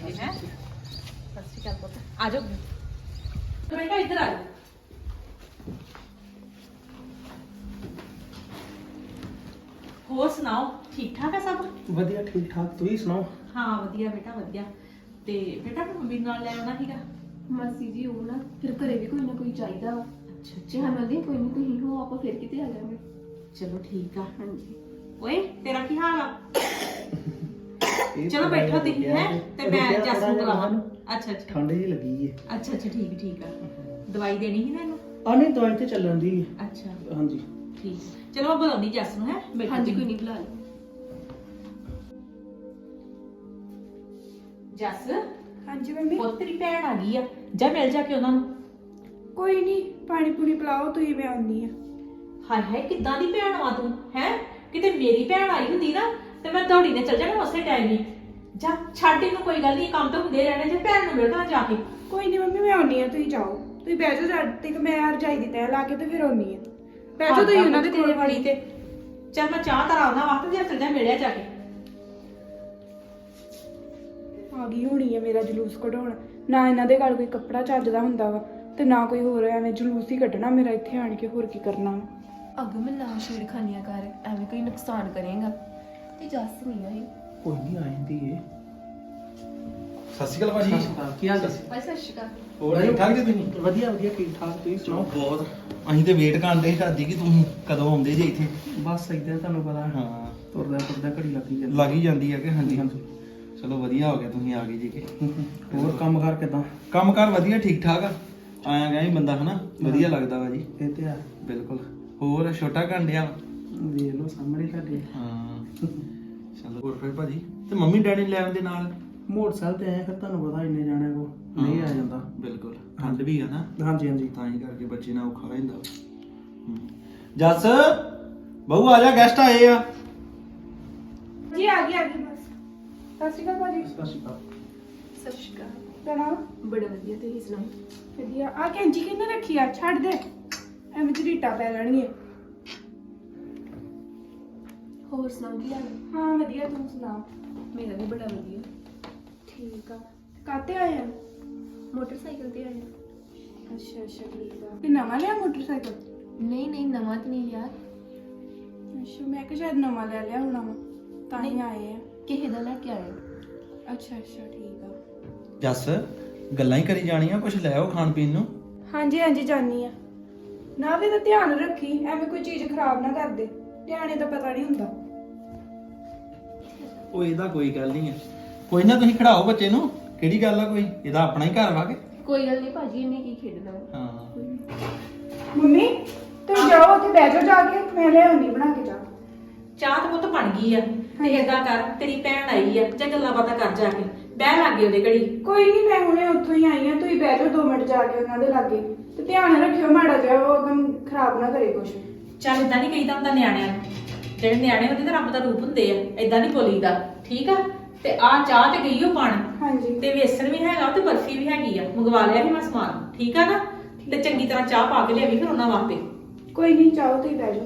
ਜੇ ਹੈ ਸਤਿ ਸ਼੍ਰੀ ਅਕਾਲ ਪੁੱਤ ਆ ਜਾਓ ਬੇਟਾ ਇੱਧਰ ਆ ਜਾਓ ਹੋਰ ਸੁਣਾਓ ਠੀਕ ਠਾਕ ਹੈ ਸਭ ਵਧੀਆ ਠੀਕ ਠਾਕ ਤੁਸੀਂ ਸੁਣਾਓ ਹਾਂ ਵਧੀਆ ਬੇਟਾ ਵਧੀਆ ਤੇ ਬੇਟਾ ਮੈਂ ਮੰਮੀ ਨਾਲ ਲੈ ਆਉਣਾ ਸੀਗਾ ਮਾਸੀ ਜੀ ਉਹ ਨਾ ਫਿਰ ਘਰੇ ਵੀ ਕੋਈ ਨਾ ਕੋਈ ਚਾਹੀਦਾ ਵਾ ਅੱਛਾ ਜੇ ਹਾਂ ਮੰਦੀ ਕੋਈ ਨਹੀਂ ਤੁਸੀਂ ਹੋ ਆਪਾਂ ਫਿਰ ਕਿਤੇ ਆ ਜਾਵਾਂਗੇ ਚਲੋ ਠੀਕ ਆ ਹਾਂਜੀ ਓਏ ਤੇਰਾ ਕੀ ਹਾਲ ਆ ਇਹ ਚਲੋ ਬੈਠੋ ਤੁਸੀਂ ਹੈ ਤੇ ਮੈਂ ਰੁਕਿਆ ਜੱਸ ਨੂੰ ਥੋੜ੍ਹਾ ਜਿਹਾ ਬੁਲਾਵਾਂ ਮੈਨੂੰ। ਅੱਛਾ ਅੱਛਾ ਠੰਡ ਜੀ ਲੱਗੀ ਏ ਅੱਛਾ ਅੱਛਾ ਠੀਕ ਆ ਦਵਾਈ ਦੇਣੀ ਸੀ ਨਾ ਇਹਨੂੰ ਆ ਨਹੀਂ ਦਵਾਈ ਤੇ ਚੱਲਣ ਦੀ ਅੱਛਾ ਹਾਂਜੀ ਠੀਕ ਚਲੋ ਮੈਂ ਬੁਲਾਉਣੀ ਜੱਸ ਨੂੰ ਹੈ ਹਾਂਜੀ ਕੋਈ ਨਹੀਂ ਬੁਲਾ ਲਓ ਜੱਸ ਹਾਂਜੀ ਮੰਮੀ ਪੁੱਤ ਤੇਰੀ ਭੈਣ ਆ ਗਈ ਆ ਜਾ ਮਿਲ ਜਾ ਕੇ ਉਹਨਾਂ ਨੂੰ ਕੋਈ ਨਹੀਂ ਪਾਣੀ ਪੂਣੀ ਪਿਲਾਓ ਤੁਸੀਂ ਮੈਂ ਆਉਣੀ ਆ ਹਾਏ ਹਾਏ ਕਿੱਦਾਂ ਦੀ ਭੈਣ ਆ ਤੂੰ ਹੈ ਕਿਤੇ ਮੇਰੀ ਭੈਣ ਆਈ ਹੁੰਦੀ ਨਾ ਤੇ ਮੈਂ ਦੌੜੀ ਨੇ ਚੱਲ ਜਾਣਾ ਉਸੇ ਟਾਈਮ ਹੀ ਜਾ ਛੱਡ ਇਹਨੂੰ ਕੋਈ ਗੱਲ ਨਹੀਂ ਕੰਮ ਤਾਂ ਹੁੰਦੇ ਰਹਿਣੇ ਜੇ ਭੈਣ ਨੂੰ ਮਿਲਣਾ ਜਾ ਕੇ ਕੋਈ ਨਹੀਂ ਮੰਮੀ ਮੈਂ ਆਉਣੀ ਆ ਤੁਸੀਂ ਜਾਓ ਤੁਸੀਂ ਬਹਿ ਜਾਓ ਜਦ ਤੱਕ ਮੈਂ ਰਜਾਈ ਦੀ ਤੈਅ ਲਾ ਕੇ ਤੇ ਫਿਰ ਆਉਣੀ ਆ ਬਹਿ ਜਾਓ ਤੁਸੀਂ ਉਹਨਾਂ ਦੇ ਕੋਲ ਵਾਲੀ ਤੇ ਚੱਲ ਮੈਂ ਚਾਹ ਤਰਾ ਉਹਨਾਂ ਵਾਸਤੇ ਜਾਂ ਚੱਲ ਜਾ ਮਿਲਿਆ ਜਾ ਕੇ ਆ ਗਈ ਹੋਣੀ ਆ ਮੇਰਾ ਜਲੂਸ ਕਢਾਉਣ ਨਾ ਇਹਨਾਂ ਦੇ ਗੱਲ ਕੋਈ ਕੱਪੜਾ ਚੱਜਦਾ ਹੁੰਦਾ ਵਾ ਤੇ ਨਾ ਕੋਈ ਹੋਰ ਐਵੇਂ ਜਲੂਸ ਹੀ ਕੱਢਣਾ ਮੇਰਾ ਇੱਥੇ ਆਣ ਕੇ ਹੋਰ ਕੀ ਕਰਨਾ ਵਾ। ਅੱਗੋਂ ਮੈਂ ਨਾ ਛੇੜਖਾਨੀਆਂ ਕਰ ਐਵੇਂ ਕੋਈ ਨੁਕਸਾਨ ਕਰੇਗਾ ਤੇ ਜੱਸ ਨਹੀਂ ਆਈ ਕੋਈ ਨਹੀਂ ਆ ਜਾਂਦੀ ਏ ਸਤਿ ਸ਼੍ਰੀ ਅਕਾਲ ਭਾਜੀ ਕੀ ਹਾਲ ਭਾਈ ਸਤਿ ਸ਼੍ਰੀ ਅਕਾਲ ਹੋਰ ਠੀਕ ਠਾਕ ਜੀ ਤੁਸੀਂ ਵਧੀਆ ਵਧੀਆ ਠੀਕ ਠਾਕ ਤੁਸੀਂ ਸੁਣਾਓ ਬਹੁਤ ਅਸੀਂ ਤੇ ਵੇਟ ਕਰਦੇ ਢਾਦੀ ਕਿ ਤੁਸੀਂ ਕਦੋਂ ਆਉਂਦੇ ਜੇ ਇੱਥੇ ਬਸ ਇਦਾਂ ਤੁਹਾਨੂੰ ਪਤਾ ਹਾਂ ਤੁਰਦਾ ਘੜੀ ਲੱਗੀ ਜਾਂਦੀ ਲੱਗ ਹੀ ਜਾਂਦੀ ਹੈ ਕਿ ਹਾਂਜੀ ਚਲੋ ਵਧੀਆ ਹੋ ਗਿਆ ਤੁਸੀਂ ਆ ਗਏ ਜੀ ਕਿ ਹੋਰ ਕੰਮ ਕਾਰ ਕਿਦਾਂ ਕੰਮ ਕਾਰ ਵਧੀਆ ਠੀਕ ਠਾਕ ਆ ਆਇਆ ਗਿਆ ਹੀ ਬੰਦਾ ਹਨਾ ਵਧੀਆ ਲੱਗਦਾ ਵਾ ਜੀ ਇਹ ਤੇ ਆ ਬਿਲਕੁਲ ਹੋਰ ਛੋਟਾ ਘੰਡਿਆ ਵੇਖ ਲਓ ਸਾਹਮਣੇ ਤੁਹਾਡੇ ਹਾਂ ਚਲੋ ਹੋਰ ਫਿਰ ਭਾਜੀ ਤੇ ਮੰਮੀ ਡੈਡੀ ਲੈ ਆਉਂਦੇ ਨਾਲ ਮੋਟਰਸਾਈਕਲ ਤੇ ਆਏ ਫਿਰ ਤੁਹਾਨੂੰ ਪਤਾ ਇੰਨੇ ਜਾਣੇ ਕੋ ਨਹੀਂ ਆ ਜਾਂਦਾ ਬਿਲਕੁਲ ਠੰਡ ਵੀ ਆ ਨਾ ਹਾਂਜੀ ਹਾਂਜੀ ਤਾਂ ਹੀ ਕਰਕੇ ਬੱਚੇ ਨਾਲ ਔਖਾ ਰਹਿੰਦਾ ਜੱਸ ਬਹੂ ਆ ਜਾ ਗੈਸਟ ਆਏ ਆ ਜੀ ਆ ਗਈ ਬਸ ਸਤਿ ਸ਼੍ਰੀ ਅਕਾਲ ਭਾਜੀ ਸਤਿ ਸ਼੍ਰੀ ਅਕਾਲ ਸਤਿ ਸ਼੍ਰੀ ਅਕਾਲ ਤਣਾ ਬੜਾ ਵਧੀਆ ਤੁਸੀਂ ਸੁਣਾਓ ਵਧੀਆ ਆ ਕੈਂਚੀ ਕਿੰਨੇ ਰੱਖੀ ਆ ਛੱਡ ਦੇ ਐਵੇਂ ਝਰੀਟਾ ਪੈ ਜਾਣਗੇ ਹੋਰ ਸੁਣਾਓ ਕੀ ਹਾਲ ਹੈ? ਹਾਂ ਵਧੀਆ ਤੂੰ ਸੁਣਾ ਮੇਰਾ ਵੀ ਬੜਾ ਵਧੀਆ ਠੀਕ ਆ ਕਾਤੇ ਆਏ ਆ ਮੋਟਰਸਾਈਕਲ ਤੇ ਆਇਆ ਅੱਛਾ ਠੀਕ ਆ ਤੇ ਨਵਾਂ ਲਿਆ ਮੋਟਰਸਾਈਕਲ ਨਹੀਂ ਨਵਾਂ ਤੇ ਨਹੀਂ ਯਾਰ ਅੱਛਾ ਮੈਂ ਕਿਹਾ ਸ਼ਾਇਦ ਨਵਾਂ ਲੈ ਲਿਆ ਹੋਣਾ ਵਾ ਤਾਂ ਹੀ ਆਏ ਆ ਕਿਸੇ ਦਾ ਲੈ ਕੇ ਆਇਆ ਅੱਛਾ ਠੀਕ ਆ ਜੱਸ ਗੱਲਾਂ ਹੀ ਕਰੀ ਜਾਣੀਆਂ ਕੁਝ ਲੈ ਆਓ ਖਾਣ ਪੀਣ ਨੂੰ ਹਾਂਜੀ ਜਾਨੀ ਆ ਨਾ ਵੀ ਤਾਂ ਧਿਆਨ ਰੱਖੀ ਐਵੇਂ ਕੋਈ ਚੀਜ਼ ਖਰਾਬ ਨਾ ਕਰ ਦੇ ਧਿਆਨੇ ਦਾ ਪਤਾ ਨਹੀਂ ਹੁੰਦਾ ਉਹ ਇਹਦਾ ਕੋਈ ਗੱਲ ਨਹੀਂ ਹੈ ਕੋਈ ਨਾ ਤੁਸੀਂ ਖੜਾਓ ਬੱਚੇ ਨੂੰ ਕਿਹੜੀ ਗੱਲ ਆ ਕੋਈ ਇਹਦਾ ਆਪਣਾ ਹੀ ਘਰ ਵਾ ਕੇ ਕੋਈ ਗੱਲ ਨਹੀਂ ਭਾਜੀ ਇਹਨੇ ਕੀ ਖੇਡਣਾ ਵਾ। ਹਾਂ ਮੰਮੀ ਤੁਸੀਂ ਜਾਓ ਉੱਥੇ ਬਹਿ ਜਾਓ ਜਾ ਕੇ ਮੈਂ ਲੈ ਆਉਣੀ ਬਣਾ ਕੇ ਚਾਹ ਚਾਹ ਤਾਂ ਪੁੱਤ ਬਣ ਗਈ ਆ ਤੇ ਏਦਾਂ ਕਰ ਤੇਰੀ ਭੈਣ ਆਈ ਆ ਜਾਂ ਗੱਲਾਂ ਬਾਤਾਂ ਕਰ ਜਾ ਕੇ ਬਹਿ ਲੱਗੇ ਉਹਦੇ ਘੜੀ ਕੋਈ ਨਹੀਂ ਮੈਂ ਹੁਣੇ ਉੱਥੋਂ ਹੀ ਆਈ ਆ ਤੁਸੀਂ ਬਹਿ ਜਾਓ 2 ਮਿੰਟ ਜਾ ਕੇ ਉਹਨਾਂ ਦੇ ਲਾਗੇ ਤੇ ਧਿਆਨ ਰੱਖਿਓ ਮਾੜਾ ਜਿਹਾ ਉਹ ਅਗਮ ਖਰਾਬ ਨਾ ਕਰੇ ਕੁਛ ਚੱਲ ਏਦਾਂ ਨਹੀਂ ਕਹੀਦਾ ਹੁੰਦਾ ਨਿਆਣਿਆਂ ਨੂੰ ਜਿਹੜੇ ਨਿਆਣੇ ਹੁੰਦੇ ਤਾਂ ਰੱਬ ਦਾ ਰੂਪ ਹੁੰਦੇ ਆ ਏਦਾਂ ਨਹੀਂ ਬੋਲੀਦਾ ਠੀਕ ਆ ਤੇ ਆ ਚਾਹ ਤੇ ਗਈ ਉਹ ਪਾਣ ਹਾਂਜੀ ਤੇ ਵੇਸਣ ਵੀ ਹੈਗਾ ਤੇ ਬਰਫੀ ਵੀ ਹੈਗੀ ਆ ਮੰਗਵਾ ਲਿਆ ਸੀ ਮੈਂ ਸਮਾਨ ਠੀਕ ਆ ਨਾ ਤੇ ਚੰਗੀ ਤਰ੍ਹਾਂ ਚਾਹ ਪਾ ਕੇ ਲਿਆਵੀਂ ਫਿਰ ਉਹਨਾਂ ਵਾਸਤੇ ਕੋਈ ਨਹੀਂ ਚਾਹੋ ਤੁਸੀਂ ਬਹਿ ਜਾਓ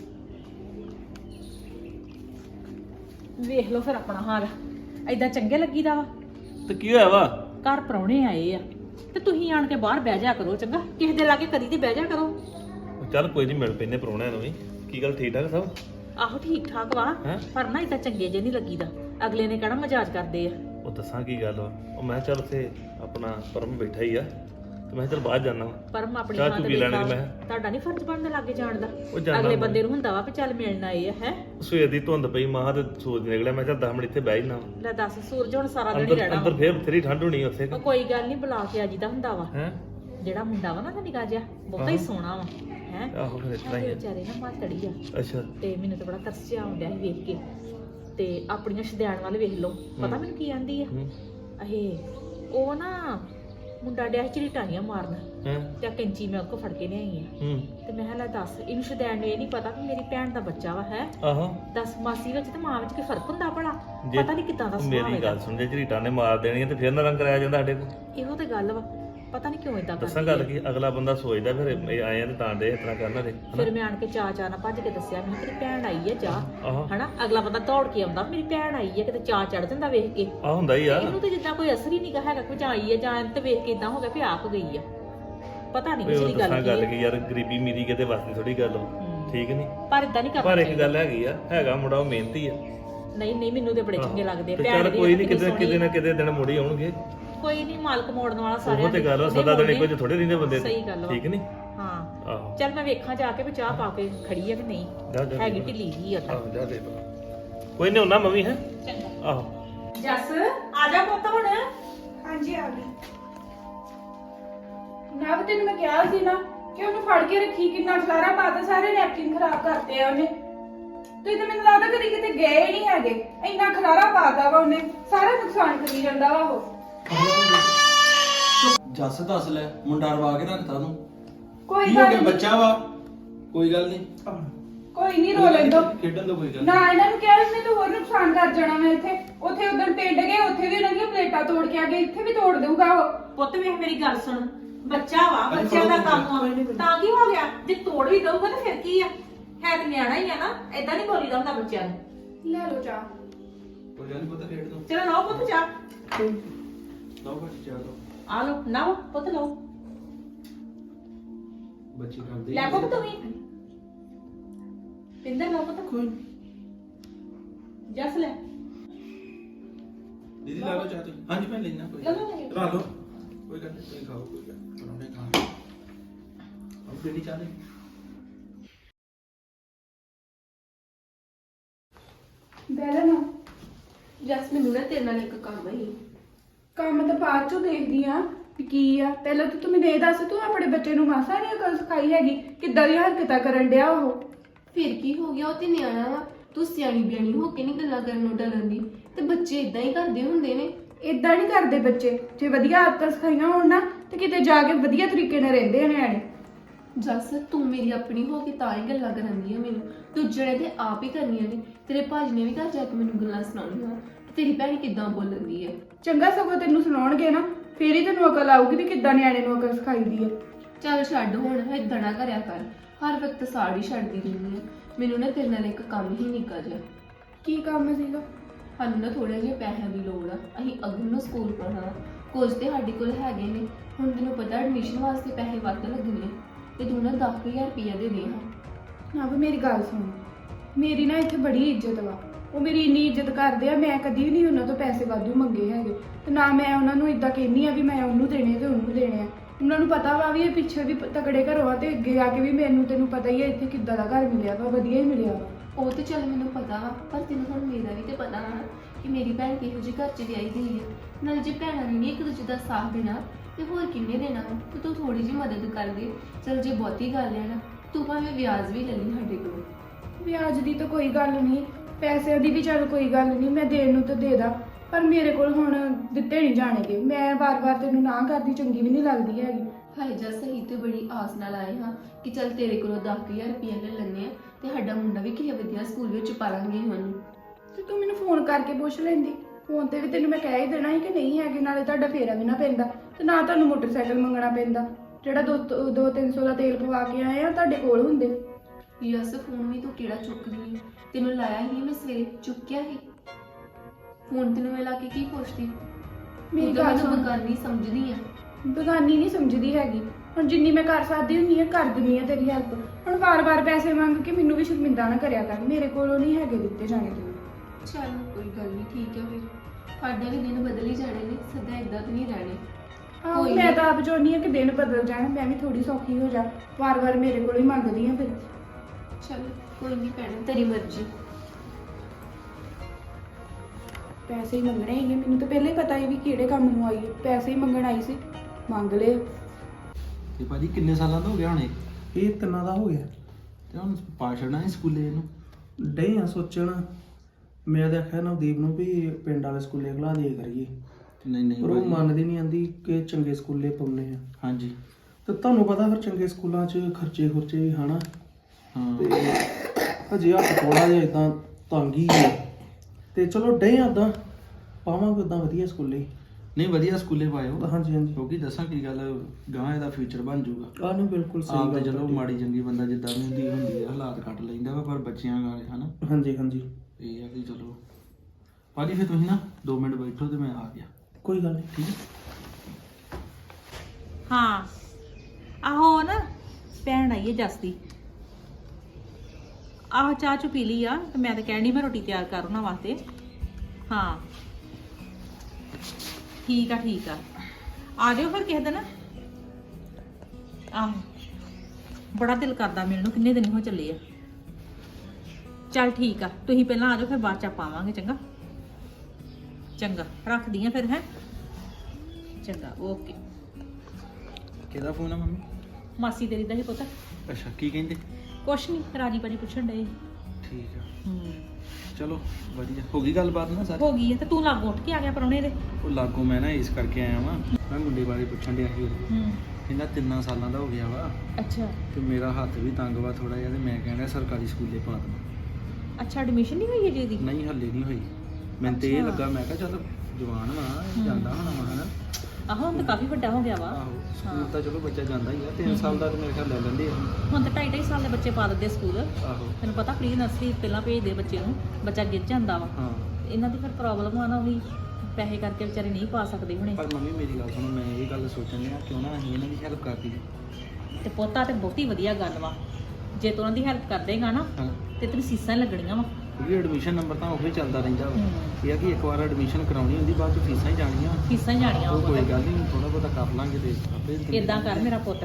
ਵੇਖ ਲਓ ਫਿਰ ਆਪਣਾ ਹਾਲ ਏਦਾਂ ਚੰਗੇ ਲੱਗੀਦਾ ਵਾ ਤੇ ਕੀ ਹੋਇਆ ਵਾ ਘਰ ਪ੍ਰਾਹੁਣੇ ਆਏ ਆ ਤੇ ਤੁਸੀਂ ਆਣ ਕੇ ਬਾਹਰ ਬਹਿ ਜਾ ਕਰੋ ਚੰਗਾ ਕਿਸੇ ਦੇ ਲਾਗੇ ਕਦੀ ਤੇ ਬਹਿ ਜਾ ਕਰੋ ਚੱਲ ਕੋਈ ਨਹੀਂ ਮਿਲ ਪੈਨੇ ਪਰੋਣਿਆਂ ਨੂੰ ਵੀ ਕੀ ਗੱਲ ਠੀਕ ਠਾਕ ਸਭ ਆਹੋ ਠੀਕ ਠਾਕ ਵਾ ਹੈਂ? ਪਰ ਨਾ ਏਦਾਂ ਚੰਗੇ ਜੇ ਨਹੀਂ ਲੱਗੀਦਾ ਅਗਲੇ ਨੇ ਕਹਿਣਾ ਮਜ਼ਾਕ ਕਰਦੇ ਆ ਉਹ ਦੱਸਾਂ ਕੀ ਗੱਲ ਵਾ ਉਹ ਮੈਂ ਕਿਹਾ ਚੱਲ ਉੱਥੇ ਆਪਣਾ ਪਰਮ ਬੈਠਾ ਹੀ ਆ ਤੇ ਮੈਂ ਕਿਹਾ ਚੱਲ ਬਾਹਰ ਜਾਣਾ ਪਰ ਮੈਂ ਆਪਣੀ ਚਾਹ ਥਾਂ ਚੂਹ ਤੇ ਪੀ ਲੈਣਗੇ ਬੈਠਾ ਮੈਂ। ਤੁਹਾਡਾ ਨਹੀਂ ਫਰਜ਼ ਬਣਦਾ ਲਾਗੇ ਜਾਣ ਦਾ ਉਹ ਜਾਣਾ ਅਗਲੇ ਮੈਂ। ਬੰਦੇ ਨੂੰ ਹੁੰਦਾ ਵਾ ਵੀ ਚੱਲ ਮਿਲਣ ਆਏ ਆ ਹੈ ਸਵੇਰ ਦੀ ਧੁੰਦ ਪਈ ਮਾਂ ਤੇ ਸੂਰਜ ਨਿਕਲਿਆ ਮੈਂ ਕਿਹਾ 10 ਮਿੰਟ ਇੱਥੇ ਬਹਿ ਜਾਣਾ ਲੈ ਦੱਸ ਸੂਰਜ ਹੁਣ ਸਾਰਾ ਦਿਨ ਹੀ ਅੰਦਰ ਰਹਿਣਾ ਅੰਦਰ ਫੇਰ ਬਥੇਰੀ ਠੰਡ ਹੋਣੀ ਉੱਥੇ ਉਹ ਕੋਈ ਗੱਲ ਨਹੀਂ ਬੁਲਾ ਕੇ ਆਜੀਦਾ ਹੁੰਦਾ ਵਾ ਹੈ ਜਿਹੜਾ ਮੁੰਡਾ ਵਾ ਨਾ ਤਾਂ ਨਿਕਾ ਜਿਹਾ ਬਹੁਤਾ ਹੀ ਸੋਹਣਾ ਵਾ ਹੈ ਆਹੋ ਫਿਰ ਇਸ ਤਰ੍ਹਾਂ ਹੀ ਆ। ਵਿਚਾਰੇ ਨਾ ਮਾਤੜੀ ਆ ਅੱਛਾ ਤੇ ਮੈਨੂੰ ਤਾਂ ਬੜਾ ਤਰਸ ਜਿਹਾ ਆਉਂਦਿਆ ਸੀ ਵੇਖ ਕੇ ਤੇ ਆਪਣੀਆਂ ਸ਼ਦੈਣ ਵੱਲ ਵੇਖ ਲਓ ਪਤਾ ਮੈਨੂੰ ਕੀ ਆਂਦੀ ਆ ਹੂੰ ਉਹ ਨਾ ਮੁੰਡਾ ਡਿਆ ਝਰੀਟਾਂ ਮਾਰਨ ਹੈ ਤੇ ਆਹ ਕੈਂਚੀ ਮੈਂ ਉਹ ਕੋ ਫੜ ਕੇ ਲਿਆਈ ਆ ਹੂੰ ਤੇ ਮੈਂ ਕਿਹਾ ਲੈ ਦੱਸ ਇਹਨੂੰ ਸ਼ਦੈਣ ਨੂੰ ਇਹ ਨਹੀਂ ਪਤਾ ਕਿ ਮੇਰੀ ਭੈਣ ਦਾ ਬੱਚਾ ਵਾ ਹੈ ਆਹੋ ਦੱਸ ਮਾਸੀ ਵਿੱਚ ਤੇ ਮਾਂ ਵਿੱਚ ਕੀ ਫਰਕ ਹੁੰਦਾ ਭਲਾ ਜੇ ਪਤਾ ਨਹੀਂ ਕਿੱਦਾਂ ਦਾ ਸੁਭਾਅ ਮੇਰੀ ਇਹਦਾ ਗੱਲ ਸੁਣ ਜੇ ਝਰੀਟਾਂ ਨੇ ਮਾਰ ਦੇਣੀਆਂ ਤੇ ਫੇਰ ਨਾ ਰੰਗ ਕਰਾਇਆ ਜਾਂਦਾ ਸਾਡੇ ਕੋਲ ਇਹੋ ਤੇ ਗੱਲ ਵਾ ਪਤਾ ਨਹੀਂ ਕਿਉਂ ਇਦਾਂ ਦੱਸਾਂ ਕਰਦੀ ਗੱਲ ਕੀ ਅਗਲਾ ਬੰਦਾ ਸੋਚਦਾ ਫਿਰ ਇਹ ਆਏ ਆ ਤੇ ਤਾਂ ਦੇ ਇਤਨਾ ਕਰਨਾ ਦੇ ਫਿਰ ਮੈਂ ਆਣ ਕੇ ਚਾਅ ਨਾਲ ਭੱਜ ਕੇ ਦੱਸਿਆ ਮੈਂ ਕਿਹਾ ਤੇਰੀ ਭੈਣ ਆਈ ਹੈ ਜਾ ਆਹ ਹਨਾ ਅਗਲਾ ਬੰਦਾ ਦੌੜ ਕੇ ਆਉਂਦਾ ਮੇਰੀ ਭੈਣ ਆਈ ਹੈ ਕਿਤੇ ਚਾਅ ਚੜ ਜਾਂਦਾ ਵੇਖ ਕੇ ਆ ਹੁੰਦਾ ਹੀ ਆ ਇਹਨੂੰ ਤੇ ਜਿੱਦਾਂ ਕੋਈ ਅਸਰ ਹੀ ਨਹੀਂਗਾ ਹੈਗਾ ਕੋਈ ਜਾਂ ਆਈ ਹੈ ਜਾਂ ਤੇ ਵੇਖ ਕੇ ਇਦਾਂ ਹੋ ਗਿਆ ਵੀ ਆਪ ਗਈ ਆ ਪਤਾ ਨਹੀਂ ਓਏ ਉਹ ਕਿਹੜੀ ਦੱਸਾਂ ਗੱਲ ਗੱਲ ਕੀ ਕੀ ਯਾਰ ਗਰੀਬੀ ਮੇਰੀ ਕਿਤੇ ਵਸਦੀ ਥੋੜੀ ਗੱਲ ਵਾ। ਠੀਕ ਨਹੀਂ ਪਰ ਇਦਾਂ ਨਹੀਂ ਪਰ ਕਰਨਾ ਇੱਕ ਗੱਲ ਹੈਗੀ ਆ ਹੈਗਾ ਮੁੰਡਾ ਉਹ ਮਿਹਨਤੀ ਆ ਨਹੀਂ ਨਹੀਂ ਮੈਨੂੰ ਤੇ ਬੜੇ ਚੰਗੇ ਲੱਗਦੇ ਤੇ ਭੈਣ ਚੱਲ ਦੀ ਕੋਈ ਨਹੀਂ ਕਿੰਨੀ ਕਿਤੇ ਸੋਹਣੀ। ਕਿਤੇ ਨਾ ਕਿਤੇ ਦਿਨ ਮੁੜੀ ਆਉਣਗੇ ਕੋਈ ਨਹੀਂ ਮਾਲਕ ਮੋੜਨ ਵਾਲਾ ਉਹ ਸਾਰਿਆਂ ਤੇ ਦੀ। ਗੱਲ ਆ ਉਹਨੇ ਸਦਾ ਦਿਨ ਮੋੜਨੇ। ਇੱਕੋ ਥੋੜੇ ਰਹਿੰਦੇ ਬੰਦੇ ਸਹੀ ਗੱਲ ਵਾ। ਠੀਕ ਨਹੀਂ ਹਾਂ ਆਹੋ ਚੱਲ ਮੈਂ ਵੇਖਾਂ ਜਾ ਕੇ ਵੀ ਚਾਹ ਪਾ ਕੇ ਖੜੀ ਆ ਕਿ ਨਹੀਂ ਜਾ ਜਾ ਹੈਗੀ ਢਿੱਲੀ ਜੀ ਆ ਤਾਂ ਆਹੋ ਜਾ ਦੇ ਕੋਈ ਨਹੀਂ ਹੁੰਦਾ ਮੰਮੀ ਹੈ ਚੰਗਾ ਆਹੋ ਜੱਸ ਆ ਜਾ ਪੁੱਤ ਹੁਣ ਹਾਂਜੀ ਆ ਗਈ ਨਾ ਵੀ ਤੈਨੂੰ ਮੈਂ ਕਿਹਾ ਸੀ ਨਾ ਕਿ ਉਹਨੂੰ ਫੜ ਕੇ ਰੱਖੀ ਕਿੰਨਾ ਖਲਾਰਾ ਪਾਤਾ ਸਾਰੇ ਨੈਪਕਿਨ ਖਰਾਬ ਕਰਤੇ ਆ ਉਹਨੇ ਤੇ ਮੈਨੂੰ ਲੱਗਦਾ ਕਦੀ ਕਿਤੇ ਗਏ ਨਹੀਂ ਹੈਗੇ ਇੰਨਾ ਖਲਾਰਾ ਪਾਤਾ ਵਾ ਉਹਨੇ ਸਾਰਾ ਨੁਕਸਾਨ ਕਰੀ ਜਾਂਦਾ ਵਾ ਉਹ ਜੱਸ ਦੱਸ ਲੈ ਮੁੰਡਾ ਰਵਾ ਕੇ ਰੱਖਤਾ ਤੂੰ ਕੋਈ ਕੀ ਹੋ ਗੱਲ ਗਿਆ ਨੀ, ਬੱਚਾ ਵਾ ਕੋਈ ਗੱਲ ਨਹੀਂ ਕੋਈ ਨਹੀਂ ਰੋ ਲੈਂਦੋ ਖੇਡਣ ਦਾ ਕੋਈ ਗੱਲ ਨਾ ਇਹਨਾਂ ਨੂੰ ਕਿਹਾ ਮੈਂ ਤਾਂ ਹੋਰ ਨੁਕਸਾਨ ਕਰ ਜਾਣਾ ਮੈਂ ਇੱਥੇ ਉੱਥੇ ਉਧਰ ਪਿੰਡ ਗਏ ਉੱਥੇ ਵੀ ਉਹਨਾਂ ਦੀਆਂ ਪਲੇਟਾਂ ਤੋੜ ਕੇ ਆ ਗਏ ਇੱਥੇ ਵੀ ਤੋੜ ਦੇਊਗਾ ਉਹ ਪੁੱਤ ਵੇਖ ਮੇਰੀ ਗੱਲ ਸੁਣ ਬੱਚਾ ਵਾ ਅਰੇ ਬੱਚਿਆਂ ਦਾ ਫੜੋ ਕੰਮ ਆ ਤਾਂ ਕੀ ਹੋ ਗਿਆ ਜੇ ਤੋੜ ਵੀ ਦਊਗਾ ਤਾਂ ਫਿਰ ਕੀ ਆ ਹੈ ਤੇ ਨਿਆਣਾ ਹੀ ਆ ਨਾ ਏਦਾਂ ਨਹੀਂ ਬੋਲੀਦਾ ਹੁੰਦਾ ਬੱਚਿਆਂ ਨੂੰ ਲੈ ਲਓ ਚਾਹ ਕੋਈ ਗੱਲ ਨਹੀਂ ਪਤਾ ਖੇਡ ਦੋ ਚਲੋ ਲਓ ਪੁੱਤ ਜਾ ਲਓ ਬੱਚੀ ਚਾਹ ਲਓ ਆ ਲਓ ਨਾ ਪੁੱਤ ਲਓ ਬੱਚੀ ਕਰਦੀ ਲੈ ਪੁੱਤ ਤੂੰ ਵੀ ਪਿੰਦਰ ਲਓ ਪੁੱਤ ਕੋਈ ਜੱਸ ਲੈ ਦੀਦੀ ਲੈ ਲਓ ਚਾਹ ਤੁਸੀਂ ਹਾਂਜੀ ਮੈਂ ਲੈਣਾ ਕੋਈ ਲੈ ਲਓ, ਲੈ ਲਓ। ਕਰਾ ਲਓ ਕੋਈ ਗੱਲ ਨਹੀਂ ਤੁਸੀਂ ਖਾਓ ਕੋਈ ਗੱਲ ਨਹੀਂ ਪਰੌਂਠੇ ਖਾਓ ਅਬ ਕਿਹੜੀ ਚਾਹ ਲੈ ਬੈਲ ਨਾ ਜਸ ਮੈਨੂੰ ਨਾ ਤੇਰੇ ਨਾਲ ਇੱਕ ਕੰਮ ਹੈ ਕੰਮ ਤਾਂ ਬਾਅਦ ਚੋਂ ਦੇਖਦੀ ਆ ਕਿ ਕੀ ਆ ਪਹਿਲਾਂ ਤਾਂ ਤੂੰ ਮੈਨੂੰ ਇਹ ਦੱਸ ਤੂੰ ਆਪਣੇ ਬੱਚੇ ਨੂੰ ਮਾਸਾ ਨਹੀਂ ਅਕਲ ਸਿਖਾਈ ਹੈਗੀ ਕਿੱਦਾਂ ਦੀਆਂ ਹਰਕਤਾਂ ਕਰਨ ਡਿਆ ਉਹ ਫਿਰ ਕੀ ਹੋ ਗਿਆ ਉਹ ਤੇ ਨਿਆਣਾ ਵਾ ਤੂੰ ਸਿਆਣੀ ਬਿਆਣੀ ਹੋ ਕੇ ਨਹੀਂ ਗੱਲਾਂ ਕਰਨ ਨੂੰ ਡਰਨ ਦੀ ਤੇ ਬੱਚੇ ਇਦਾਂ ਹੀ ਕਰਦੇ ਹੁੰਦੇ ਨੇ ਇਦਾਂ ਨਹੀਂ ਕਰਦੇ ਬੱਚੇ ਜੇ ਵਧੀਆ ਆਦਤਾਂ ਸਿਖਾਈਆਂ ਹੋਣ ਨਾ ਤੇ ਕਿਤੇ ਜਾ ਕੇ ਵਧੀਆ ਤਰੀਕੇ ਨਾਲ ਰਹਿੰਦੇ ਆ ਨਿਆਣੇ ਜਸ ਤੂੰ ਮੇਰੀ ਆਪਣੀ ਹੋ ਕੇ ਤਾਂ ਹੀ ਗੱਲਾਂ ਕਰਾਂਦੀ ਆ ਮੈਨੂੰ ਦੂਜੇ ਤੇ ਆਪ ਹੀ ਕਰਨੀਆਂ ਨੇ ਤੇਰੇ ਭਾਜੀ ਨੇ ਵੀ ਘਰ ਜਾ ਕੇ ਮੈਨੂੰ ਗੱਲਾਂ ਸੁਣਾਉਣੀਆਂ ਕਿ ਤੇਰੀ ਭੈਣ ਕਿੱਦਾਂ ਬੋਲਦੀ ਹੈ ਚੰਗਾ ਸਗੋਂ ਤੈਨੂੰ ਸੁਣਾਉਣਗੇ ਨਾ ਫੇਰ ਹੀ ਤੈਨੂੰ ਅਕਲ ਆਊਗੀ ਵੀ ਕਿੱਦਾਂ ਨਿਆਣੇ ਨੂੰ ਅਕਲ ਸਿਖਾਈਦੀ ਹੈ ਚੱਲ ਛੱਡ ਹੁਣ ਏਦਾਂ ਨਾ ਕਰਿਆ ਕਰ ਹਰ ਵਕਤ ਸਾੜੀ ਛੱਡਦੀ ਰਹਿੰਦੀ ਆ ਮੈਨੂੰ ਨਾ ਤੇਰੇ ਨਾਲ ਇੱਕ ਕੰਮ ਹੀ ਨਿੱਕਾ ਜਿਹਾ ਕੀ ਕੰਮ ਸੀਗਾ ਸਾਨੂੰ ਨਾ ਥੋੜੇ ਜਿਹੇ ਪੈਸਿਆਂ ਦੀ ਲੋੜ ਆ ਅਸੀਂ ਅੱਗੇ ਨੂੰ ਸਕੂਲ ਪੜ੍ਹਨਾ ਕੁਝ ਤੇ ਸਾਡੇ ਕੋਲ ਹੈਗੇ ਨੇ ਹੁਣ ਤੈਨੂੰ ਪਤਾ ਐਡਮਿਸ਼ਨ ਵਾਸਤੇ ਪੈਸੇ ਵੱਧ ਲੱਗਣੇ ਤੇ ਤੂੰ ਨਾ 10,000 ਰੁਪਇਆ ਦੇ ਦੇ ਹਾਂ ਨਾ ਵੀ ਮੇਰੀ ਗੱਲ ਸੁਣ ਮੇਰੀ ਨਾ ਇੱਥੇ ਬੜੀ ਇੱਜ਼ਤ ਵਾ ਉਹ ਮੇਰੀ ਇੰਨੀ ਇੱਜ਼ਤ ਕਰਦੇ ਆ ਮੈਂ ਕਦੀ ਵੀ ਨਹੀਂ ਉਹਨਾਂ ਤੋਂ ਪੈਸੇ ਵਾਧੂ ਮੰਗੇ ਹੈਗੇ ਤੇ ਨਾ ਮੈਂ ਉਹਨਾਂ ਨੂੰ ਇਦਾਂ ਕਹਿੰਦੀ ਆ ਵੀ ਮੈਂ ਉਹਨੂੰ ਦੇਣੇ ਤੇ ਉਹਨੂੰ ਦੇਣੇ ਆ ਉਹਨਾਂ ਨੂੰ ਪਤਾ ਵਾ ਵੀ ਇਹ ਪਿੱਛੇ ਵੀ ਤਕੜੇ ਘਰੋਂ ਆ ਤੇ ਅੱਗੇ ਆ ਕੇ ਵੀ ਮੈਨੂੰ ਤੈਨੂੰ ਪਤਾ ਹੀ ਹੈ ਇੱਥੇ ਕਿੱਦਾਂ ਦਾ ਘਰ ਮਿਲਿਆ ਵਾ ਵਧੀਆ ਹੀ ਮਿਲਿਆ ਵਾ ਉਹ ਤੇ ਚੱਲ ਮੈਨੂੰ ਪਤਾ ਵਾ ਪਰ ਤੈਨੂੰ ਹੁਣ ਮੇਰਾ ਵੀ ਤੇ ਪਤਾ ਵਾ ਕਿ ਮੇਰੀ ਭੈਣ ਕਿਹੋ ਜਿਹੇ ਘਰ 'ਚ ਵਿਆਹੀ ਗਈ ਹੈ ਨਾਲ ਜੇ ਭੈਣਾਂ ਨੇ ਨਹੀਂ ਇੱਕ ਦੂਜੇ ਦਾ ਸਾਥ ਦੇਣਾ ਤੇ ਹੋਰ ਕਿੰਨੇ ਦੇਣਾ ਵਾ ਤੇ ਤੂੰ ਥੋੜੀ ਜਿਹੀ ਮਦਦ ਕਰ ਦੇ ਚਲ ਜੇ ਬਹੁਤੀ ਗੱਲ ਹੈ ਨਾ ਤੂੰ ਭਾਵੇਂ ਵਿਆਜ ਵੀ ਲੈ ਲਈ ਸਾਡੇ ਕੋਲ ਵਿਆਜ ਦੀ ਤਾਂ ਕੋਈ ਗੱਲ ਨਹੀਂ ਪੈਸਿਆਂ ਦੀ ਵੀ ਚੱਲ ਕੋਈ ਗੱਲ ਨਹੀਂ ਮੈਂ ਦੇਣ ਨੂੰ ਤਾਂ ਦੇ ਦਾਂ ਪਰ ਮੇਰੇ ਕੋਲ ਹੁਣ ਦਿੱਤੇ ਨਹੀਂ ਜਾਣਗੇ ਮੈਂ ਵਾਰ-ਵਾਰ ਤੈਨੂੰ ਨਾ ਕਰਦੀ ਚੰਗੀ ਵੀ ਨਹੀਂ ਲੱਗਦੀ ਹੈਗੀ ਹਾਏ ਜਾ ਸਹੀ ਤੇ ਬੜੀ ਆਸ ਨਾਲ ਆਏ ਹਾਂ ਕਿ ਚੱਲ ਤੇਰੇ ਕੋਲੋਂ 10,000 ਰੁਪਇਆ ਲੈ ਲੈਣੇ ਆ ਤੇ ਸਾਡਾ ਮੁੰਡਾ ਵੀ ਕਿਸੇ ਵਧੀਆ ਸਕੂਲ ਵਿੱਚ ਪਾ ਲਾਂਗੇ ਹੁਣ ਤੇ ਤੂੰ ਮੈਨੂੰ ਫੋਨ ਕਰਕੇ ਪੁੱਛ ਲੈਂਦੀ ਫੋਨ ਤੇ ਵੀ ਤੈਨੂੰ ਮੈਂ ਕਹਿ ਹੀ ਦੇਣਾ ਸੀ ਕਿ ਨਹੀਂ ਹੈਗੇ ਨਾਲੇ ਤੁਹਾਡਾ ਫੇਰਾ ਵੀ ਨਾ ਪੈਂਦਾ ਤੇ ਨਾ ਤੁਹਾਨੂੰ ਮੋਟਰਸਾਈਕਲ ਮੰਗਣਾ ਪੈਂਦਾ ਜਿਹੜਾ 200-300 ਦਾ ਤੇਲ ਪਵਾ ਕੇ ਆਏ ਆ ਤੁਹਾਡੇ ਕੋਲ ਹੁੰਦੇ ਯਸ ਫੋਨ ਵੀ ਤੂੰ ਕਿਹੜਾ ਚੁੱਕਦੀ ਹੈ ਤੈਨੂੰ ਲਾਇਆ ਹੀ ਮੈਂ ਸਵੇਰੇ ਚੁੱਕਿਆ ਹੀ ਫੋਨ ਤੈਨੂੰ ਮੈਂ ਲਾ ਕੇ ਕੀ ਪੁੱਛਦੀ ਮੇਰੀ ਗੱਲ ਸੁਣ ਬਗਾਨੀ ਸਮਝਦੀ ਆ ਬੇਗਾਨੀ ਨਹੀਂ ਸਮਝਦੀ ਹੈਗੀ ਹੁਣ ਜਿੰਨੀ ਮੈਂ ਕਰ ਸਕਦੀ ਹੁੰਦੀ ਆ ਕਰ ਦਿੰਦੀ ਆ ਤੇਰੀ ਹੈਲਪ ਹੁਣ ਵਾਰ-ਵਾਰ ਪੈਸੇ ਮੰਗ ਕੇ ਮੈਨੂੰ ਵੀ ਸ਼ਰਮਿੰਦਾ ਨਾ ਕਰਿਆ ਕਰ ਮੇਰੇ ਕੋਲੋਂ ਨਹੀਂ ਹੈਗੇ ਦਿੱਤੇ ਜਾਣੇ ਤੈਨੂੰ ਚੱਲ ਕੋਈ ਗੱਲ ਨਹੀਂ ਠੀਕ ਹੈ ਫਿਰ ਸਾਡੇ ਵੀ ਦਿਨ ਬਦਲ ਹੀ ਜਾਣੇ ਨੇ ਸਦਾ ਇਦਾਂ ਤਾਂ ਨਹੀਂ ਰਹਿਣੇ ਆਹੋ ਕੋਈ ਮੈਂ ਨੀ। ਤਾਂ ਆਪ ਚਾਹੁੰਦੀ ਆ ਕਿ ਦਿਨ ਬਦਲ ਜਾਣ ਮੈਂ ਵੀ ਥੋੜੀ ਸੌਖੀ ਹੋ ਜਾ ਵਾਰ-ਵਾਰ ਮੇਰੇ ਕੋਲੋਂ ਹੀ ਮੰਗਦੀ ਆ ਫਿਰ ਚੱਲ ਕੋਈ ਨਹੀਂ ਭੈਣ ਤੇਰੀ ਮਰਜ਼ੀ ਪੈਸੇ ਹੀ ਮੰਗਣੇ ਹੈਗੇ ਮੈਨੂੰ ਤਾਂ ਪਹਿਲਾਂ ਹੀ ਪਤਾ ਸੀ ਵੀ ਕਿਹੜੇ ਕੰਮ ਨੂੰ ਆਈ ਹੈ ਪੈਸੇ ਹੀ ਮੰਗਣ ਆਈ ਸੀ ਮੰਗ ਲਏ ਤੇ ਭਾਜੀ ਕਿੰਨੇ ਸਾਲਾਂ ਦਾ ਹੋ ਗਿਆ ਹੁਣੇ ਇਹ ਤਿੰਨਾਂ ਦਾ ਹੋ ਗਿਆ ਤੇ ਹੁਣ ਪਾ ਛੱਡਣਾ ਹੈ ਸਕੂਲੇ ਇਹਨੂੰ ਡੇ ਆ ਸੋਚਣ ਮੈਂ ਤਾਂ ਆਖਿਆ ਨਵਦੀਪ ਨੂੰ ਵੀ ਪਿੰਡ ਵਾਲੇ ਸਕੂਲੇ ਖਲਾ ਦੇ ਕਰੀਏ ਨਹੀਂ ਨਹੀਂ ਪਰ ਉਹ ਭਾਜੀ। ਮੰਨਦੀ ਨਹੀਂ ਆਂਦੀ ਕਿ ਚੰਗੇ ਸਕੂਲੇ ਪਾਉਨੇ ਆ ਹਾਂਜੀ ਤੇ ਤੁਹਾਨੂੰ ਪਤਾ ਫਿਰ ਚੰਗੇ ਸਕੂਲਾਂ 'ਚ ਖਰਚੇ ਵੀ ਹਨਾ ਹਾਂ ਤੇ ਹਜੇ ਹੱਥ ਥੋੜਾ ਜਿਹਾ ਇਦਾਂ ਤੰਗ ਹੀ ਹੈ ਤੇ ਚਲੋ ਡੇ ਆਂ ਏਦਾਂ ਪਾਵਾਂਗੇ ਉਦਾਂ ਵਧੀਆ ਸਕੂਲੇ ਨਹੀਂ ਵਧੀਆ ਸਕੂਲੇ ਪਾਇਓ ਹਾਂਜੀ ਹਾਂਜੀ ਕਿਉਂਕਿ ਦੱਸਾਂ ਕੀ ਗੱਲ ਗਾਂ ਇਹਦਾ ਫਿਊਚਰ ਬਣ ਜਾਊਗਾ। ਆ ਨਹੀਂ ਬਿਲਕੁਲ ਸਹੀ ਆਪ ਤੇ ਗੱਲ ਚਲੋ ਤੁਹਾਡੀ। ਮਾੜੀ ਚੰਗੀ ਬੰਦਾ ਜਿੱਦਾਂ ਵੀ ਹੁੰਦੀ ਆ ਹਾਲਾਤ ਕੱਟ ਲੈਂਦਾ ਵਾ, ਪਰ ਬੱਚਿਆਂ ਵਾਲੇ ਹਨਾ ਹਾਂਜੀ ਹਾਂਜੀ ਇਹ ਆ ਕਿ ਚਲੋ ਭਾਜੀ ਫਿਰ ਤੁਸੀਂ ਨਾ 2 ਮਿੰਟ ਬੈਠੋ ਤੇ ਮੈਂ ਆ ਗਿਆ। ਕੋਈ ਗੱਲ ਨਹੀਂ। ਠੀਕ ਹੈ। ਹਾਂ ਆਹੋ ਨਾ ਭੈਣ ਆਈ ਹੈ ਜਸਦੀ। ਆਹ ਚਾਹ ਚੁ ਪੀ ਲਈ ਆ ਤੇ ਮੈਂ ਤਾਂ ਕਹਿਣੀ ਮੈਂ ਰੋਟੀ ਤਿਆਰ ਕਰ ਉਹਨਾਂ ਵਾਸਤੇ। ਹਾਂ ਠੀਕ ਆ ਆ ਜਾਓ ਫਿਰ ਕਿਸੇ ਦਿਨ। ਆਹੋ ਬੜਾ ਦਿਲ ਕਰਦਾ ਮਿਲਣ ਨੂੰ, ਕਿੰਨੇ ਦਿਨ ਹੋ ਚੱਲੇ ਆ। ਚੱਲ ਠੀਕ ਆ, ਤੁਸੀਂ ਪਹਿਲਾਂ ਆ ਜਾਓ ਫਿਰ ਬਾਅਦ ਚ ਆਪਾਂ ਆਵਾਂਗੇ। ਚੰਗਾ ਚੰਗਾ ਰੱਖਦੀ ਆ ਫਿਰ। ਹੈ ਚੰਗਾ ਓਕੇ। ਕਿਹਦਾ ਫੋਨ ਆ ਮੰਮੀ? ਮਾਸੀ ਤੇਰੀ ਦਾ ਹੀ ਪੁੱਤ। ਅੱਛਾ ਕੀ ਕਹਿੰਦੇ? ਕੁਛ ਨਹੀਂ, ਰਾਜੀ ਭਾਜੀ ਪੁੱਛਣ ਡਏ। ਠੀਕ ਆ ਚਲੋ ਵਧੀਆ ਹੋ ਗਈ ਗੱਲਬਾਤ ਨਾ ਸਾਰੀ। ਹੋ ਗਈ ਹੈ ਤੇ ਤੂੰ ਲਾਗੋਂ ਉੱਠ ਕੇ ਆ ਗਿਆ ਪਰੌਣੇ ਦੇ। ਉਹ ਲਾਗੋਂ ਮੈਂ ਨਾ ਇਸ ਕਰਕੇ ਆਇਆ ਵਾਂ, ਮੈਂ ਮੁੰਡੇ ਬਾਰੇ ਪੁੱਛਣ ਡਿਆ ਸੀ ਉਹਦੇ। ਕਹਿੰਦਾ 3 ਸਾਲਾਂ ਦਾ ਹੋ ਗਿਆ ਵਾ ਅੱਛਾ ਤੇ ਮੇਰਾ ਹੱਥ ਵੀ ਤੰਗ ਵਾ ਥੋੜਾ ਜਿਹਾ, ਤੇ ਮੈਂ ਕਹਿੰਦਾ ਸਰਕਾਰੀ ਸਕੂਲੇ ਪਾ ਦੇਵਾਂ। ਅੱਛਾ ਐਡਮਿਸ਼ਨ ਨਹੀਂ ਹੋਈ ਅਜੇ ਦੀ? ਨਹੀਂ ਹੱਲੇ ਨਹੀਂ ਹੋਈ। ਮੈਨੂੰ ਤੇ ਇਹ ਅੱਛਾ। ਲੱਗਾ, ਮੈਂ ਕਿਹਾ ਚੱਲ ਜਵਾਨ ਵਾ ਜਾਂਦਾ ਹੋਣਾ ਵਾ ਹਨਾ। ਆਹੋ ਹੁਣ ਤਾਂ ਕਾਫੀ ਵੱਡਾ ਹੋ ਗਿਆ ਵਾ। ਆਹੋ ਸਕੂਲ ਤਾਂ ਚਲੋ ਬੱਚਾ ਜਾਂਦਾ ਹੀ ਆ, 3 ਸਾਲ ਦਾ ਤੇ ਮੇਰੇ ਖਿਆਲ ਲੈ ਲੈਂਦੇ ਆ। ਹੁਣ ਤਾਂ 2.5 ਸਾਲ ਦੇ ਬੱਚੇ ਪਾ ਦਿੰਦੇ ਸਕੂਲ। ਆਹੋ ਤੈਨੂੰ ਪਤਾ ਪ੍ਰੀ ਨਰਸਰੀ ਪਹਿਲਾਂ ਭੇਜਦੇ ਬੱਚੇ ਨੂੰ, ਬੱਚਾ ਗਿਰ ਜਾਂਦਾ ਵਾ। ਹਾਂ ਇਹਨਾਂ ਦੀ ਫਿਰ ਪ੍ਰੋਬਲਮ ਆ ਨਾ, ਉਹੀ ਪੈਸੇ ਕਰਕੇ ਵਿਚਾਰੇ ਨਹੀਂ ਪਾ ਸਕਦੇ ਹੁਣੇ। ਪਰ ਮੰਮੀ ਮੇਰੀ ਗੱਲ ਸੁਣੋ, ਮੈਂ ਇਹ ਗੱਲ ਸੋਚਣ ਡਿਆ ਕਿਉਂ ਨਾ ਅਸੀਂ ਇਹਨਾਂ ਦੀ ਹੈਲਪ ਕਰ ਦਈਏ। ਤੇ ਪੋਤਾ ਤੇ ਬਹੁਤੀ ਵਧੀਆ ਗੱਲ ਵਾ, ਜੇ ਤੂੰ ਉਹਨਾਂ ਦੀ ਹੈਲਪ ਕਰ ਦੇਗਾ ਨਾ ਹਾਂ ਤੇ ਤੈਨੂੰ ਸੀਸਾਂ ਲੱਗਣੀਆਂ ਵਾ। ਕਿਉਂਕਿ ਐਡਮਿਸ਼ਨ ਨੰਬਰ ਤਾਂ ਉਹੀ ਚੱਲਦਾ ਰਹਿੰਦਾ ਵਾ। ਇਹ ਆ ਕਿ ਇੱਕ ਵਾਰ ਐਡਮਿਸ਼ਨ ਕਰਾਉਣੀ ਹੁੰਦੀ, ਬਾਅਦ ਚ ਫੀਸਾਂ ਹੀ ਜਾਣੀਆਂ। ਫੀਸਾਂ ਹੀ ਜਾਣੀਆਂ ਉਹ ਕੋਈ ਵਾ। ਗੱਲ ਨਹੀਂ, ਥੋੜਾ ਬਹੁਤਾ ਕਰ ਲਾਂਗੇ ਤੇ ਆਪੇ ਇਦਾਂ ਕਰ ਮੇਰਾ ਪੁੱਤ,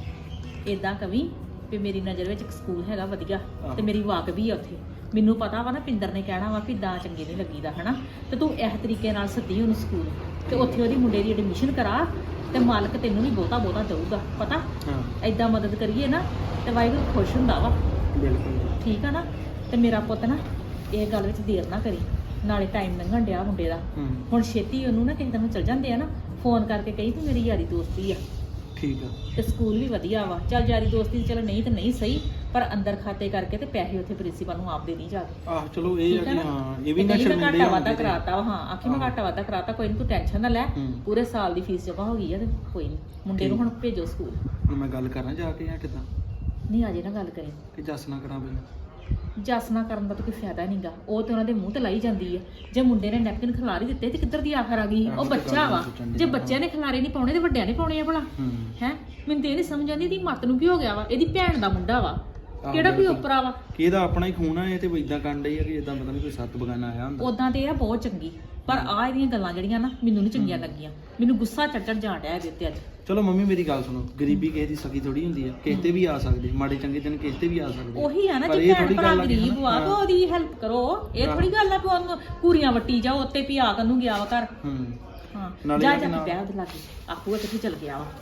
ਇਦਾਂ ਕਵੀ ਵੀ ਮੇਰੀ ਨਜ਼ਰ ਵਿੱਚ ਇੱਕ ਸਕੂਲ ਹੈਗਾ ਵਧੀਆ ਤੇ ਮੇਰੀ ਵਾਕ ਵੀ ਆ ਉੱਥੇ। ਮੈਨੂੰ ਪਤਾ ਵਾ ਨਾ ਪਿੰਦਰ ਨੇ ਕਹਿਣਾ ਵਾ ਵੀ ਦਾਂ ਚੰਗੇ ਨਹੀਂ ਲੱਗੀਦਾ ਹਨਾ, ਤੇ ਤੂੰ ਇਸ ਤਰੀਕੇ ਨਾਲ ਸੱਦੀ ਉਹਨੂੰ ਸਕੂਲ ਤੇ ਉੱਥੇ ਉਹਦੀ ਮੁੰਡੇ ਦੀ ਐਡਮਿਸ਼ਨ ਕਰਾ ਤੇ ਮਾਲਕ ਤੈਨੂੰ ਵੀ ਬਹੁਤਾ ਦਊਗਾ। ਪਤਾ ਹਾਂ ਐਦਾਂ ਮਦਦ ਕਰੀਏ ਨਾ ਤੇ ਵਾਹਿਗੁਰੂ ਖੁਸ਼ ਹੁੰਦਾ ਵਾ। ਬਿਲਕੁਲ ਠੀਕ ਆ ਨਾ? ਤੇ ਮੇਰਾ ਪੁੱਤ ਨਾ ਇਹ ਗੱਲ ਵਿੱਚ ਦੇਰ ਨਾ ਕਰੀ, ਨਾਲੇ ਟਾਈਮ ਲੰਘਣ ਡਿਆ ਮੁੰਡੇ ਦਾ। ਹੁਣ ਛੇਤੀ ਉਹਨੂੰ ਨਾ ਕਿਸੇ ਦਿਨ ਚਲ ਜਾਂਦੇ ਆ ਨਾ, ਫੋਨ ਕਰਕੇ ਕਹੀ ਵੀ ਮੇਰੀ ਯਾਰੀ ਦੋਸਤੀ ਆ ਠੀਕ ਆ। ਤੇ ਸਕੂਲ ਵੀ ਵਧੀਆ ਵਾ। ਚੱਲ ਯਾਰੀ ਦੋਸਤੀ ਚੱਲ ਨਹੀਂ ਤੇ ਨਹੀਂ ਸਹੀ, ਪਰ ਅੰਦਰ ਖਾਤੇ ਕਰਕੇ ਤੇ ਪੈਸੇ ਉੱਥੇ ਪ੍ਰਿੰਸੀਪਲ ਨੂੰ ਆਪ ਦੇ ਨਹੀਂ ਜਾ ਕੇ। ਆਹ ਚਲੋ ਇਹ ਆ ਠੀਕ ਆ ਕਿ ਨਾ? ਹਾਂ ਇਹ ਵੀ ਤੇ ਨਾ ਕਹੀ ਮੈਂ ਸ਼ਰਮਿੰਦੇ ਘਾਟਾ ਵਾਧਾ ਹੋਣਗੇ ਤੇ- ਕਰਾਤਾ ਵਾ। ਹਾਂ ਆਖੀ ਮੈਂ ਘਾਟਾ ਵਾਧਾ ਕਰਾਤਾ, ਕੋਈ ਨਹੀਂ ਤੂੰ ਟੈਨਸ਼ਨ ਨਾ ਲੈ, ਪੂਰੇ ਸਾਲ ਦੀ ਫੀਸ ਜਮਾ ਹੋ ਗਈ ਆ ਤੇ ਕੋਈ ਨਹੀਂ ਮੁੰਡੇ ਨੂੰ ਹੁਣ ਭੇਜੋ ਸਕੂਲ। ਹੁਣ ਮੈਂ ਗੱਲ ਕਰਾਂ ਜਾ ਕੇ ਜਾਂ ਕਿੱਦਾਂ? ਨਹੀਂ ਅਜੇ ਨਾ ਗੱਲ ਕਰੀ, ਕਿ ਜੱਸ ਨਾ ਕਰਾਂ ਪਹਿਲਾਂ? ਜਸ ਨਾ ਕਰਨ ਦਾ ਤਾਂ ਕੋਈ ਫਾਇਦਾ ਨਹੀਂਗਾ। ਉਹ ਤੇ ਉਹਨਾਂ ਦੇ ਮੂੰਹ ਤੇ ਲਾਈ ਜਾਂਦੀ ਆ। ਜੇ ਮੁੰਡੇ ਨੇ ਨੈਪਕਿਨ ਖਿਲਾਰੀ ਦਿੱਤੇ ਤੇ ਕਿੱਧਰ ਦੀ ਆਖਰ ਆ ਗਈ? ਉਹ ਬੱਚਾ ਵਾ, ਜੇ ਬੱਚਿਆਂ ਨੇ ਖਿਲਾਰੇ ਨਹੀਂ ਪਾਉਣੇ ਤੇ ਵੱਡਿਆਂ ਨੇ ਪਾਉਣੇ ਆ ਭਲਾ। ਹੈ ਮੈਨੂੰ ਤੇ ਇਹ ਨਹੀਂ ਸਮਝ ਆਉਂਦੀ ਇਹਦੀ ਮੱਤ ਨੂੰ ਕੀ ਹੋ ਗਿਆ ਵਾ। ਇਹਦੀ ਭੈਣ ਦਾ ਮੁੰਡਾ ਵਾ, ਕਿਹੜਾ ਕੋਈ ਉਪਰਾ ਵਾ। ਕਿ ਇਹਦਾ ਆਪਣਾ ਹੀ ਖੂਨ ਆ, ਇਹ ਤੇ ਇਦਾਂ ਕਰਨ ਡਈ ਆ ਕਿ ਇਦਾਂ ਪਤਾ ਨਹੀਂ ਕੋਈ ਸੱਤ ਬਗਾਨਾ ਆਇਆ ਹੁੰਦਾ। ਉਦਾਂ ਤੇ ਇਹ ਆ ਬਹੁਤ ਚੰਗੀ, ਪਰ ਆ ਇਹਦੀਆਂ ਗੱਲਾਂ ਜਿਹੜੀਆਂ ਨਾ ਮੈਨੂੰ ਨਹੀਂ ਚੰਗੀਆਂ ਲੱਗੀਆਂ। ਮੈਨੂੰ ਗੁੱਸਾ ਚੜ ਜਾਣ ਡਿਆ ਇਹਦੇ ਉੱਤੇ ਅੱਜ। ਚਲੋ ਮੰਮੀ ਮੇਰੀ ਗੱਲ ਸੁਣੋ, ਗਰੀਬੀ ਕਿਸੇ ਦੀ ਸਕੀ ਥੋੜੀ ਹੁੰਦੀ ਆ, ਕਿਸੇ ਤੇ ਵੀ ਆ ਸਕਦੇ, ਮਾੜੇ ਚੰਗੇ ਦਿਨ ਕਿਸੇ ਤੇ ਵੀ ਆ ਸਕਦੇ। ਉਹੀ ਆ ਨਾ, ਪਰ ਜੇ ਇਹ ਭੈਣ ਥੋੜ੍ਹੀ ਭਰਾ ਗੱਲ ਆ ਕਿ ਗਰੀਬ ਵਾ ਹਾਂ। ਤਾਂ ਉਹਦੀ ਹੈਲਪ ਕਰੋ। ਇਹ ਥੋੜੀ ਗੱਲ ਆ ਕਿ ਉਹਨੂੰ ਪੂਰੀਆਂ ਵੱਟੀ ਜਾਓ ਉੱਤੇ ਵੀ ਆ ਕੰਨੂ ਗਿਆ ਵਾ ਘਰ। ਹਾਂ ਨਾਲੇ ਜਾ ਇਹ ਜਾ ਕਿ ਨਾ- ਵਿਆਹ ਉਹਦੇ ਲਾਗੇ ਆਪੂ ਕਿੱਥੇ ਚਲ ਗਿਆ ਵਾ।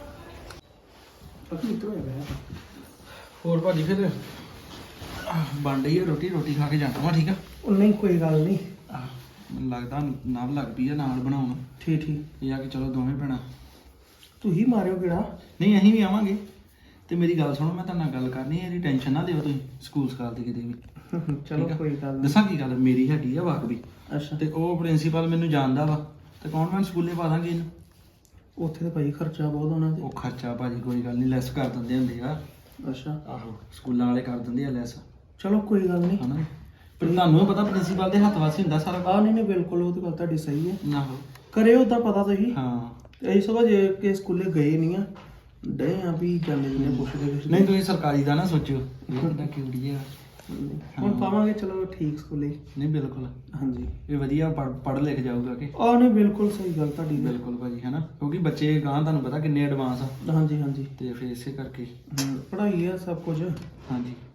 ਹੋਰ ਭਾਜੀ ਫਿਰ ਬਣ ਰਹੀ ਹੈ ਰੋਟੀ, ਰੋਟੀ ਖਾ ਕੇ ਜਾਣਾ ਵਾ। ਠੀਕ ਆ? ਉਹ ਨਹੀਂ ਕੋਈ ਗੱਲ ਨਹੀਂ। ਮੈਨੂੰ ਲੱਗਦਾ ਨਾਲ ਲੱਗ ਪਈ ਆ ਨਾਲ ਬਣਾਉਣ। ਠੀਕ ਇਹ ਆ ਕਿ ਚਲੋ ਦੋਵੇਂ ਭੈਣਾਂ। ਤੁਸੀਂ ਮਾਰਿਓ ਕਿਹੜਾ? ਨਹੀਂ ਅਸੀਂ ਵੀ ਆਵਾਂਗੇ। ਤੇ ਮੇਰੀ ਗੱਲ ਸੁਣੋ, ਮੈਂ ਤੁਹਾਡੇ ਨਾਲ ਗੱਲ ਕਰਨੀ ਹੈ, ਇਹਦੀ ਟੈਨਸ਼ਨ ਨਾ ਦਿਓ ਤੁਸੀਂ ਸਕੂਲ ਸਕਾਲ ਦੀ ਕਿਤੇ ਵੀ। ਚਲੋ ਠੀਕ ਆ? ਕੋਈ ਗੱਲ ਨਹੀਂ। ਦੱਸਾਂ ਕੀ ਗੱਲ, ਮੇਰੀ ਹੈਗੀ ਆ ਵਾਕ ਵੀ, ਅੱਛਾ ਤੇ ਉਹ ਪ੍ਰਿੰਸੀਪਲ ਮੈਨੂੰ ਜਾਣਦਾ ਵਾ, ਤੇ ਕੌਨਵੈਂਟ ਸਕੂਲੇ ਪਾ ਦਾਂਗੇ ਇਹਨੂੰ। ਉੱਥੇ ਤਾਂ ਭਾਈ ਖਰਚਾ ਬਹੁਤ ਹੋਣਾ ਤੇ। ਉਹ ਖਰਚਾ ਭਾਜੀ ਕੋਈ ਗੱਲ ਨਹੀਂ, ਲੈਸ ਕਰ ਦਿੰਦੇ ਹੁੰਦੇ ਆ। ਅੱਛਾ ਆਹੋ ਸਕੂਲਾਂ ਵਾਲੇ ਕਰ ਦਿੰਦੇ ਆ ਲੈਸ, ਚਲੋ ਕੋਈ ਗੱਲ ਨਹੀਂ। ਹਨਾ? ਪਰ ਤੁਹਾਨੂੰ ਵੀ ਪਤਾ ਪ੍ਰਿੰਸੀਪਲ ਦੇ ਹੱਥ ਵਾਸੀ ਹੁੰਦਾ ਸਾਰਾ ਆ ਨਹੀਂ ਬਿਲਕੁਲ, ਉਹ ਤਾਂ ਗੱਲ ਤੁਹਾਡੀ ਸਹੀ ਹੈ। ਨਾ ਹੋ ਕਰਿਓ ਉਦਾਂ ਪਤਾ ਤੁਸੀਂ। ਹਾਂ ਇਹ ਸਭ ਜੇ ਕਿ ਸਕੂਲੇ ਗਏ ਨਹੀਂ ਆ, ਡੇ ਆ ਵੀ ਜਾਂਦੇ ਜਿਹਨੇ ਪੁੱਛਦੇ ਨਹੀਂ ਤੁਸੀਂ ਸਰਕਾਰੀ ਦਾ ਨਾ ਸੋਚਿਓ, ਇਹ ਕਿੱਦਾਂ ਕਿਉੜੀ ਆ। ਹੁਣ ਪਾਵਾਂਗੇ ਚਲੋ ਠੀਕ ਸਕੂਲੇ। ਨਹੀਂ ਬਿਲਕੁਲ ਹਾਂਜੀ ਇਹ ਵਧੀਆ ਪੜ੍ਹ ਲਿਖ ਜਾਊਗਾ ਕਿ। ਆ ਨਹੀਂ ਬਿਲਕੁਲ ਸਹੀ ਗੱਲ ਤੁਹਾਡੀ। ਬਿਲਕੁਲ ਭਾਜੀ ਹੈ ਨਾ, ਕਿਉਂਕਿ ਬੱਚੇ ਗਾਂ ਤੁਹਾਨੂੰ ਪਤਾ ਕਿੰਨੇ ਐਡਵਾਂਸ ਆ, ਹਾਂਜੀ ਹਾਂਜੀ ਤੇ ਫਿਰ ਇਸੇ ਕਰਕੇ। ਪੜ੍ਹਾਈ ਆ ਸਭ ਕੁਝ। ਹਾਂਜੀ